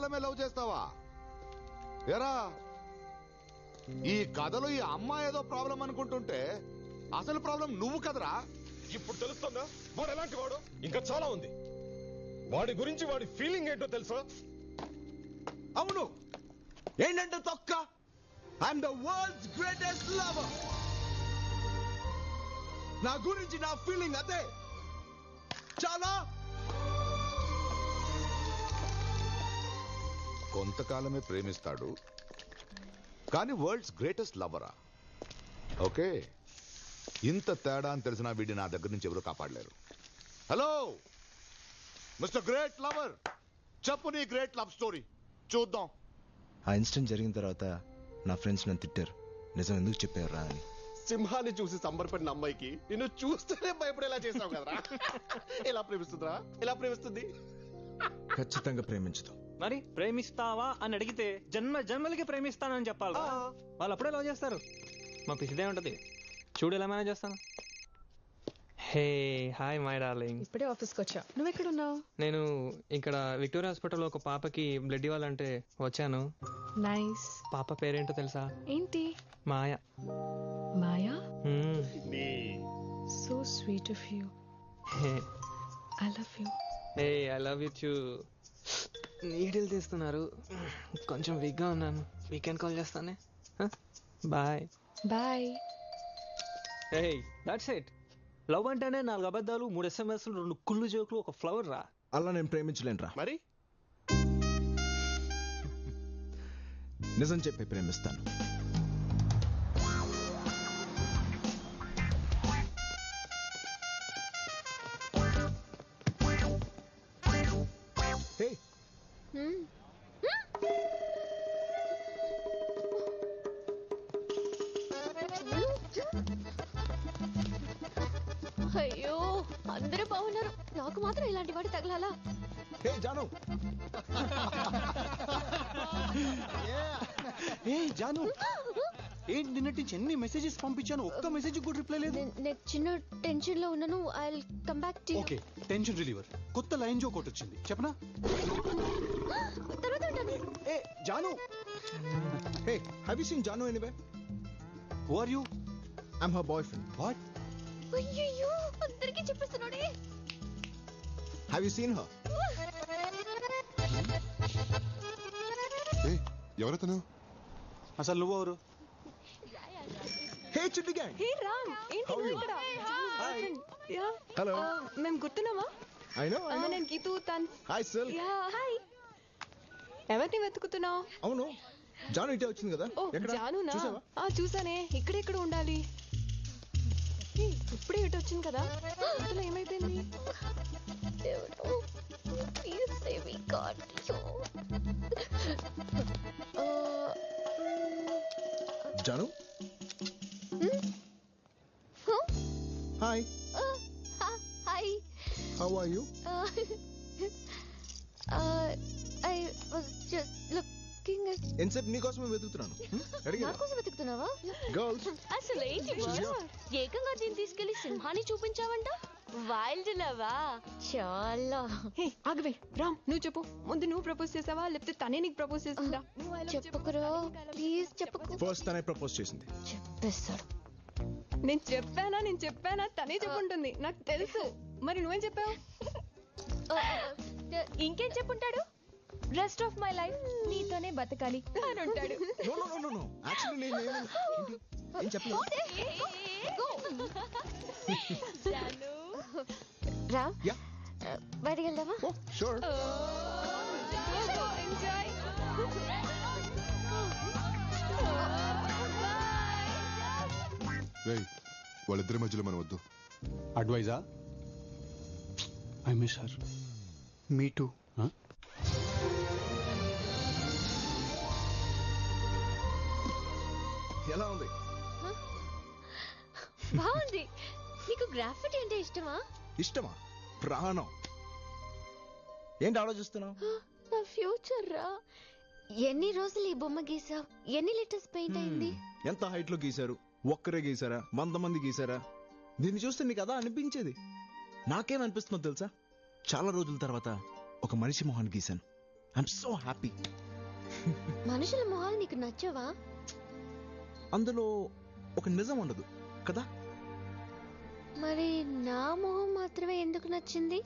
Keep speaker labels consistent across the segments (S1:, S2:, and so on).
S1: మాత్రమే లవ్ చేస్తావా? ఎరా, ఈ కథలో ఈ అమ్మాయి ఏదో ప్రాబ్లం అనుకుంటుంటే అసలు ప్రాబ్లం నువ్వు కదరా.
S2: ఇప్పుడు తెలుస్తుందా వాడు ఎలాంటి వాడు? ఇంకా చాలా ఉంది. వాడి గురించి వాడి ఫీలింగ్ ఏంటో తెలుసా?
S3: అవును, ఏంటంటే తొక్క. I'm the world's greatest lover. నా గురించి నా ఫీలింగ్ అదే. చాలా
S1: కొంతకాలమే ప్రేమిస్తాడు కానీ వరల్డ్స్ గ్రేటెస్ట్ లవరా? ఓకే, ఇంత తేడా అని తెలిసిన వీడి నా దగ్గర నుంచి ఎవరు కాపాడలేరు. హలో మిస్టర్ గ్రేట్ లవర్, చెప్పు నీ గ్రేట్ లవ్ స్టోరీ చూద్దాం.
S3: ఆ ఇన్సిడెంట్ జరిగిన తర్వాత నా ఫ్రెండ్స్ నన్ను తిట్టారు, నిజం ఎందుకు చెప్పారా అని.
S4: సింహాన్ని చూసి సంబరపడిన అమ్మాయికి నిన్ను చూస్తేనే భయపడేలా చేసావు కదరా. ఎలా ప్రేమిస్తుందిరా? ఎలా ప్రేమిస్తుంది?
S3: ఖచ్చితంగా ప్రేమించదు.
S5: మరి ప్రేమిస్తావా అని అడిగితే జన్మ జన్మలకి ప్రేమిస్తానని చెప్పాలి. వాళ్ళు అప్పుడే లవ్ చేస్తారు. మా పిసిదే ఉంటది. చూడు ఎలా మేనేజ్ చేస్తాను. Hey hi my darling.
S6: ఇప్పుడే ఆఫీస్కి వచ్చా. నువ్వు ఎక్కడున్నావు?
S5: నేను ఇక్కడ విక్టోరియా హాస్పిటల్లో ఒక పాపకి బ్లడ్ ఇవ్వాలంటే వచ్చాను.
S6: నైస్.
S5: పాప పేరేంటో తెలుసా?
S6: ఏంటి?
S5: మాయ.
S6: మాయా?
S4: నీ
S6: so sweet of you. I love you.
S5: Hey I love you too. Needle తీస్తున్నారు, కొంచెం వీక్గా ఉన్నాను. వీకెండ్ కాల్ చేస్తానే. Bye
S6: bye.
S5: Hey that's it. Love అంటేనే 4 అబద్ధాలు, 3 SMS, 2 కుళ్ళు జోకులు, ఒక ఫ్లవర్ రా.
S3: అలా నేను ప్రేమించలేనురా.
S4: మరి
S3: నిజం చెప్పి ప్రేమిస్తాను. హే,
S7: అయ్యో, అందరూ బాగున్నారు, నాకు మాత్రం ఇలాంటి వాడి తగలాలా?
S3: హే జాను.
S4: ఏ జాను, ఏంటి నిన్నటి ఎన్ని మెసేజెస్ పంపించాను, ఒక్క మెసేజ్ కూడా రిప్లై లేదు.
S7: నేను చిన్న టెన్షన్ లో ఉన్నాను. I will come back to you.
S4: Okay, tension reliever కొత్త లైన్ జోక్ ఒకటి వచ్చింది, చెప్పనా?
S7: తర్వాత ఉంటాను.
S4: ఏ Jaanu,
S3: hey, have you seen Jaanu anyway?
S4: Who are you?
S3: I'm her boyfriend.
S4: What?
S7: అయ్యయ్యో, అందరికీ చెప్పేస్తున్నాడే.
S3: Have you seen her?
S1: ఎవరతను?
S4: అసలు నువ్వెవరు?
S3: హే చిట్టి గ్యాంగ్.
S6: హే రామ్, ఏంటి నువ్వు ఇక్కడ? Yeah,
S3: hello.
S6: మేము గుర్తున్నామా?
S3: I know.
S6: నేను గీతూ తన్.
S3: హాయ్ సిల్.
S6: Yeah hi. ఎవరిని వెతుకుతున్నావు?
S3: అవును, జాను ఇటే వచ్చింది కదా.
S6: ఓ
S3: ఎక్కడ
S6: జానునా?
S3: చూసావా?
S6: చూసానే. ఇక్కడెక్కడ ఉండాలి? ఇప్పుడే ఇటు వచ్చింది కదా. అసలు ఏమైపోయింది?
S7: దేవుడు, please save me god.
S3: Jaanu. Hi.
S7: Hi.
S3: How are you?
S7: I was just looking at.
S3: ఎంతసేపు నీకోసమే వెతుకుతున్నాను.
S7: నా కోసం వెతుకుతున్నావా?
S3: గర్ల్స్.
S7: అసలు ఏంటి ఏకంగా దీన్ని తీసుకెళ్లి సింహాన్ని చూపించావంట? వైల్డ్ లవా? చాలా.
S6: హే ఆగవే రామ్, నువ్వు చెప్పు. ముందు నువ్వు ప్రపోజ్ చేసావా లేకపోతే తనే నీకు ప్రపోజ్ చేసిందా?
S7: చెప్పుకురా ప్లీజ్, చెప్పుకు.
S3: ఫస్ట్ తనే ప్రపోజ్ చేసింది.
S7: చెప్పేస్తాడు.
S6: నేను చెప్పానా తనే చెప్పుంటుంది, నాకు తెలుసు. మరి నువ్వేం చెప్పావు?
S7: ఇంకేం చెప్పుంటాడు? రెస్ట్ ఆఫ్ మై లైఫ్ నీతోనే బతకాలి అని ఉంటాడు.
S3: No no no no, actually నేను ఏం చెప్పలేదు.
S7: రా,
S3: యా,
S7: బయటికి వెళ్దామా?
S3: Oh sure.
S6: ఎంజాయ్.
S1: వాళ్ళిద్దరి మధ్యలో మనం వద్దు.
S4: అడ్వైజా? I miss her. Me too.
S3: ఎలా ఉంది?
S7: బాగుంది. నీకు గ్రాఫిటీ అంటే ఇష్టమా?
S3: ఇష్టమా? ప్రాణం. ఏంటి ఆలోచిస్తున్నావు?
S7: నా ఫ్యూచర్ రా. ఎన్ని రోజులు ఈ బొమ్మ గీసావు? ఎన్ని లీటర్స్ పెయింట్ అయింది?
S3: ఎంత హైట్ లో గీశారు? ఒక్కరే గీసారా? 100 మంది గీసారా? దీన్ని చూస్తే నీకు అదా అనిపించేది. నాకేమనిపిస్తుందో తెలుసా? చాలా రోజుల తర్వాత ఒక మనిషి మొహాన్ని గీశాను. I'm so happy.
S7: మనుషుల మొహాలు నీకు నచ్చవా?
S3: అందులో ఒక నిజం ఉండదు కదా.
S7: మరి నా మొహం మాత్రమే ఎందుకు నచ్చింది?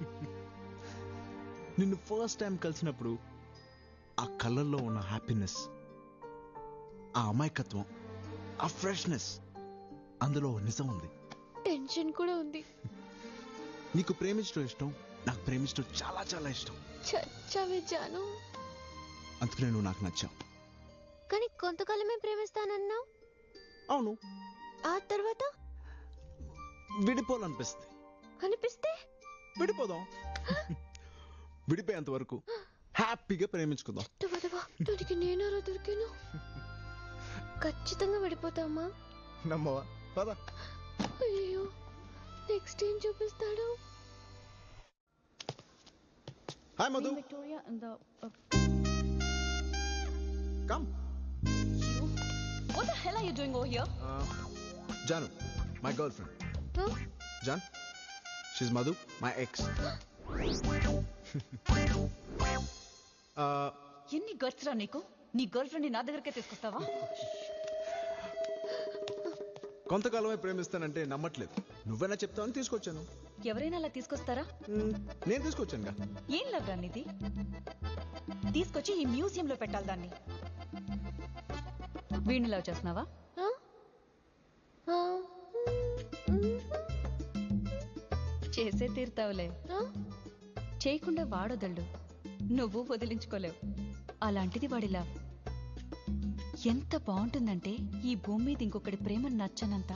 S3: నిన్ను ఫస్ట్ టైం కలిసినప్పుడు ఆ కళ్ళల్లో ఉన్న హ్యాపీనెస్, ఆ అమాయకత్వం, ఆ ఫ్రెష్నెస్, అందులో నిజం ఉంది.
S7: టెన్షన్ కూడా ఉంది.
S3: నీకు ప్రేమించడం ఇష్టం, నాకు ప్రేమించడం చాలా చాలా ఇష్టం.
S7: చచ్చావే జాను.
S3: అందుకనే నువ్వు నాకు నచ్చావు.
S7: కానీ కొంతకాలమే ప్రేమిస్తానన్నావు.
S3: అవును,
S7: ఆ తర్వాత
S3: విడిపోవాలనిపిస్తుంది.
S7: అనిపిస్తే
S3: విడిపోదాం. విడిపోయేంత వరకు హ్యాపీగా ప్రేమించుకుందాం.
S7: దానికి నేనారా దొరికాను. ఖచ్చితంగా విడిపోతామా?
S3: నమ్మవా? పద.
S7: అయ్యో, నెక్స్ట్ ఏం చూపిస్తాడు?
S3: Hi Madhu. Come.
S8: What the hell are you doing over here?
S3: Janu, my girlfriend.
S7: Huh?
S3: Jan, she's Madhu, my ex.
S8: ఎన్ని గట్స్ రా నీకు? నీ గర్ల్ ఫ్రెండ్ నా దగ్గరకే తీసుకొస్తావా?
S3: కొంతకాలమే ప్రేమిస్తానంటే నమ్మట్లేదు. నువ్వైనా చెప్తావని తీసుకొచ్చాను.
S8: ఎవరైనా అలా తీసుకొస్తారా?
S3: నేను తీసుకొచ్చానుగా.
S8: ఏం లవ్ రా నీది? తీసుకొచ్చి ఈ మ్యూజియం లో పెట్టాలి దాన్ని. వీడిని లవ్ చేస్తున్నావా? చేసే తీరుతావులే. చేయకుండా వాడొదళ్ళు, నువ్వు వదిలించుకోలేవు. అలాంటిది వాడి లవ్ ఎంత బాగుంటుందంటే ఈ భూమి మీద ఇంకొకటి ప్రేమ నచ్చనంత.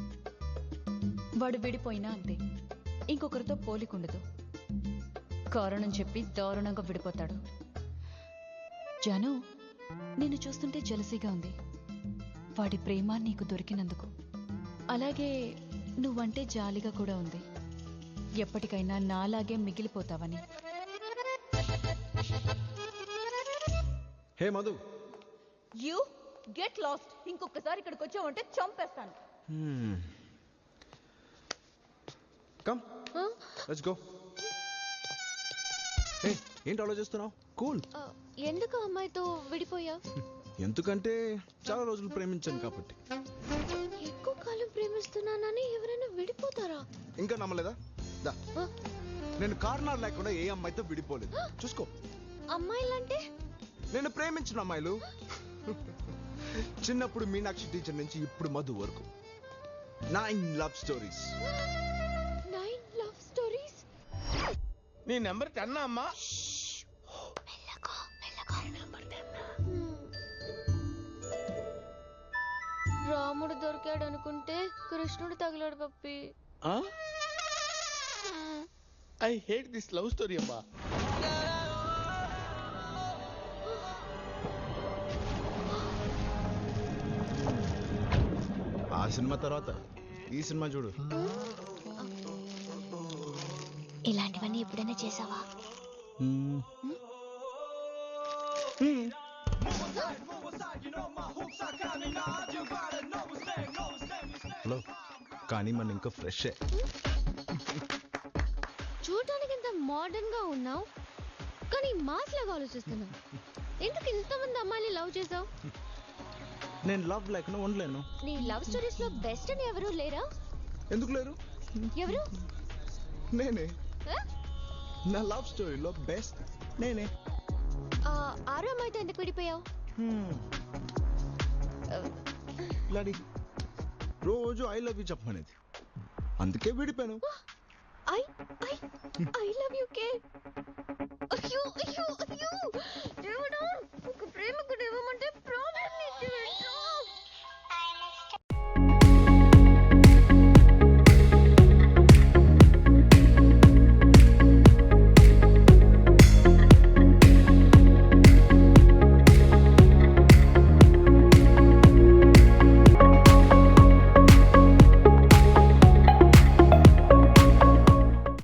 S8: వాడు విడిపోయినా అంతే, ఇంకొకరితో పోలికుండదు. కారణం చెప్పి దారుణంగా విడిపోతాడు. జాను, నిన్ను చూస్తుంటే జలసీగా ఉంది, వాడి ప్రేమ నీకు దొరికినందుకు. అలాగే నువ్వంటే జాలిగా కూడా ఉంది, ఎప్పటికైనా నాలాగే మిగిలిపోతావని.
S3: Hey Madhu.
S8: You get lost. ఇంకొకసారి ఇక్కడికి వచ్చావంటే చంపేస్తాను.
S3: Come, let's go. హే, ఏంటి ఆలోచిస్తున్నావు? కూల్.
S7: ఎందుకు అమ్మాయితో విడిపోయా?
S3: ఎందుకంటే చాలా రోజులు ప్రేమించాను కాబట్టి.
S7: ఎక్కువ కాలం ప్రేమిస్తున్నానని ఎవరైనా విడిపోతారా?
S3: ఇంకా నమ్మలేదా? దా, నేను కారణాలు లేకుండా ఏ అమ్మాయితో విడిపోలేదు. చూసుకో.
S7: అమ్మాయిలంటే?
S3: నేను ప్రేమించిన అమ్మాయిలు. చిన్నప్పుడు మీనాక్షి టీచర్ నుంచి ఇప్పుడు మధు వరకు 9 లవ్ స్టోరీస్.
S7: 9 love stories?
S9: నీ నెంబర్ 10 అమ్మా?
S7: రాముడు దొరికాడు అనుకుంటే కృష్ణుడు తగిలాడు పప్పి.
S9: I hate this love story అమ్మా.
S3: ఆ సినిమా తర్వాత ఈ సినిమా చూడు.
S7: ఇలాంటివన్నీ ఎప్పుడైనా చేసావా?
S3: హలో, కానీ మన ఇంకా ఫ్రెష్.
S7: చూడటానికి ఇంత మోడర్న్ గా ఉన్నావు, కానీ మాస్ లాగా ఆలోచిస్తున్నావు. ఎందుకు ఇంతమంది అమ్మాయిని లవ్ చేసావు?
S3: నేను లవ్ లేకుండా ఉండలేను.
S7: నీ లవ్ స్టోరీస్ లో బెస్ట్ అని ఎవరు లేరా?
S3: ఎందుకు లేరు?
S7: ఎవరు?
S3: నేనే. నా లవ్ స్టోరీలో బెస్ట్ నేనే.
S7: ఆరో అమ్మాయితో ఎందుకు విడిపోయావు?
S3: లాడి రోజు ఐ లవ్ యూ చెప్పమనేది, అందుకే విడిపోయాను.
S7: ఐ లవ్ యూ కే. అయ్యో అయ్యో అయ్యో.